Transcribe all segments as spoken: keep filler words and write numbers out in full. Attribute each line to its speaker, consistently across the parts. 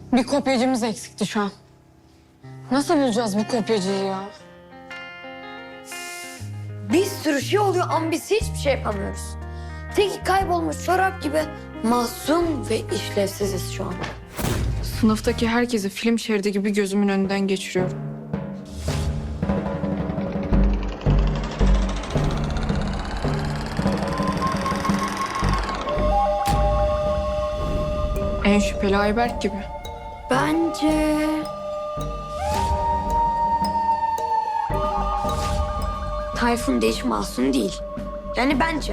Speaker 1: Bir kopyacımız eksikti şu an. Nasıl bulacağız bu kopyacıyı ya?
Speaker 2: Bir sürü şey oluyor ama biz hiçbir şey yapamıyoruz. Tek kaybolmuş çorap gibi masum ve işlevsiziz şu an.
Speaker 1: Sınıftaki herkesi film şeridi gibi gözümün önünden geçiriyorum. En şüpheli Ayberk gibi.
Speaker 2: Bence... Tayfun da hiç masum değil. Yani bence.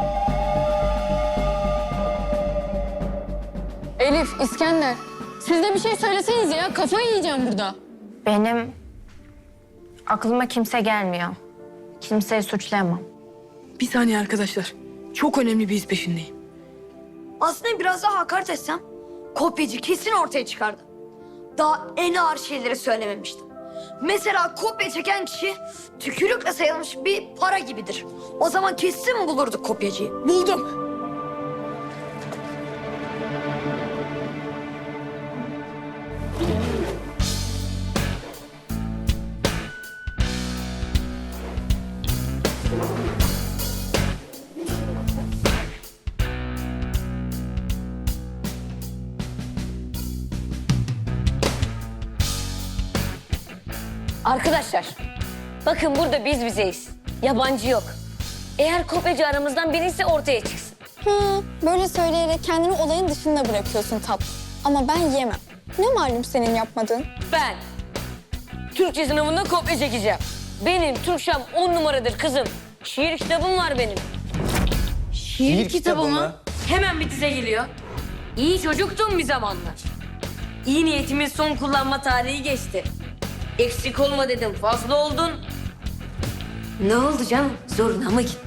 Speaker 1: Elif, İskender. Siz de bir şey söyleseniz ya. Kafayı yiyeceğim burada.
Speaker 3: Benim aklıma kimse gelmiyor. Kimseyi suçlayamam.
Speaker 4: Bir saniye arkadaşlar. Çok önemli bir iz peşindeyim.
Speaker 2: Aslında biraz daha hakaret etsem kopyacı kesin ortaya çıkardı. Daha en ağır şeyleri söylememiştim. Mesela kopya çeken kişi tükürükle sayılmış bir para gibidir. O zaman kesin bulurduk kopyacıyı.
Speaker 4: Buldum.
Speaker 5: Arkadaşlar, bakın burada biz bizeyiz. Yabancı yok. Eğer kopyacı aramızdan birisi ortaya çıksın.
Speaker 6: Hı, böyle söyleyerek kendini olayın dışında bırakıyorsun tatlım. Ama ben yemem. Ne malum senin yapmadığın?
Speaker 5: Ben Türkçe sınavında kopya çekeceğim. Benim Türkçem on numaradır kızım. Şiir kitabım var benim.
Speaker 7: Şiir kitabı mı?
Speaker 5: Hemen bir dize geliyor. İyi çocuktum bir zamanlar. İyi niyetimin son kullanma tarihi geçti. Eksik olma dedim, fazla oldun. Ne oldu canım? Zoruna mı gitti?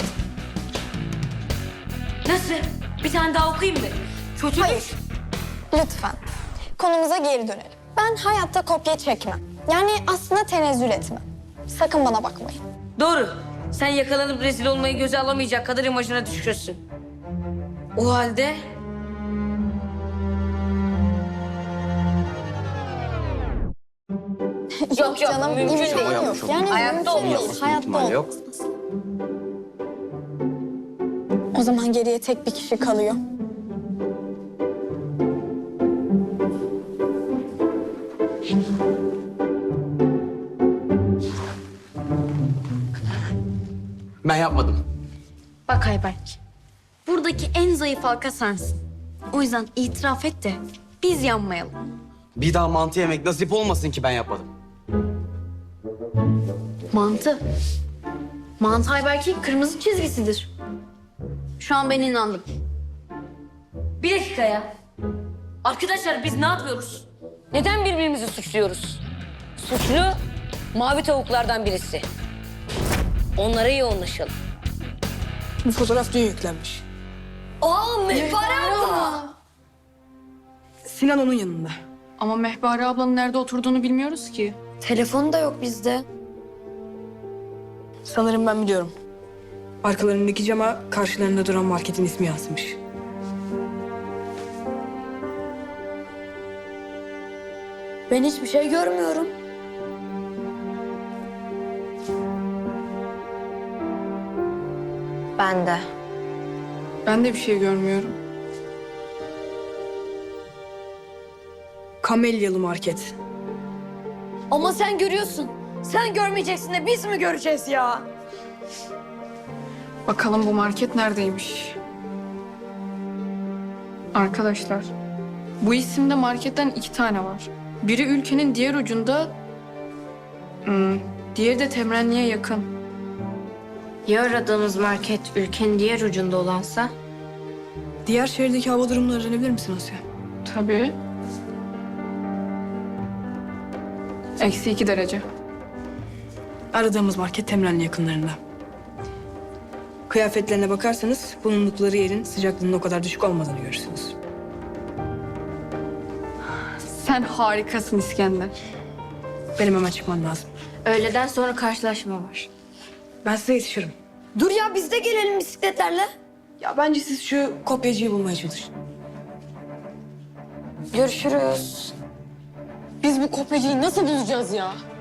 Speaker 5: Nasıl? Bir tane daha okuyayım mı? Kötü mü?
Speaker 6: Lütfen. Konumuza geri dönelim. Ben hayatta kopya çekmem. Yani aslında tenezzül etmem. Sakın bana bakmayın.
Speaker 5: Doğru. Sen yakalanıp rezil olmayı göze alamayacak kadar imajına düşkünsün. O halde... Yok yok,
Speaker 6: Canım
Speaker 5: mümkün
Speaker 6: mümkün
Speaker 5: değil.
Speaker 6: değil. Yok. Yani
Speaker 5: Hayatta
Speaker 6: mümkün
Speaker 5: olmaz.
Speaker 6: değil. Hayatta
Speaker 7: İhtimali yok.
Speaker 6: olmaz. O zaman geriye tek bir kişi kalıyor.
Speaker 7: Ben yapmadım.
Speaker 3: Bak Ayberk, buradaki en zayıf halka sensin. O yüzden itiraf et de biz yanmayalım.
Speaker 7: Bir daha mantı yemek nasip olmasın ki ben yapmadım.
Speaker 3: Mantı. Mantı Ayberk'in kırmızı çizgisidir. Şu an ben inandım.
Speaker 5: Bir dakika ya. Arkadaşlar biz ne yapıyoruz? Neden birbirimizi suçluyoruz? Suçlu mavi tavuklardan birisi. Onlara yoğunlaşalım.
Speaker 4: Bu fotoğraf dün yüklenmiş.
Speaker 2: Aa Mehpare abla!
Speaker 4: Sinan onun yanında.
Speaker 1: Ama Mehpare ablanın nerede oturduğunu bilmiyoruz ki.
Speaker 2: Telefonu da yok bizde.
Speaker 4: Sanırım ben biliyorum. Arkalarındaki cama karşılarında duran marketin ismi yazmış.
Speaker 2: Ben hiçbir şey görmüyorum.
Speaker 3: Ben de.
Speaker 1: Ben de bir şey görmüyorum.
Speaker 4: Kamelyalı market.
Speaker 2: Ama sen görüyorsun. Sen görmeyeceksin de biz mi göreceğiz ya?
Speaker 1: Bakalım bu market neredeymiş? Arkadaşlar, bu isimde marketten iki tane var. Biri ülkenin diğer ucunda, hmm, diğeri de Temrenli'ye yakın.
Speaker 3: Ya aradığımız market ülkenin diğer ucunda olansa?
Speaker 4: Diğer şehirdeki hava durumunu öğrenebilir misin Asya?
Speaker 1: Tabii. Eksi iki derece.
Speaker 4: Aradığımız market Temrenli yakınlarında. Kıyafetlerine bakarsanız bulundukları yerin sıcaklığının o kadar düşük olmadığını görürsünüz.
Speaker 1: Sen harikasın İskender.
Speaker 4: Benim hemen çıkmam lazım.
Speaker 3: Öğleden sonra karşılaşma var.
Speaker 4: Ben size yetişirim.
Speaker 2: Dur ya biz de gelelim bisikletlerle.
Speaker 4: Ya bence siz şu kopyacıyı bulmaya çalışın.
Speaker 2: Görüşürüz.
Speaker 8: Biz bu kopyacıyı nasıl bulacağız ya?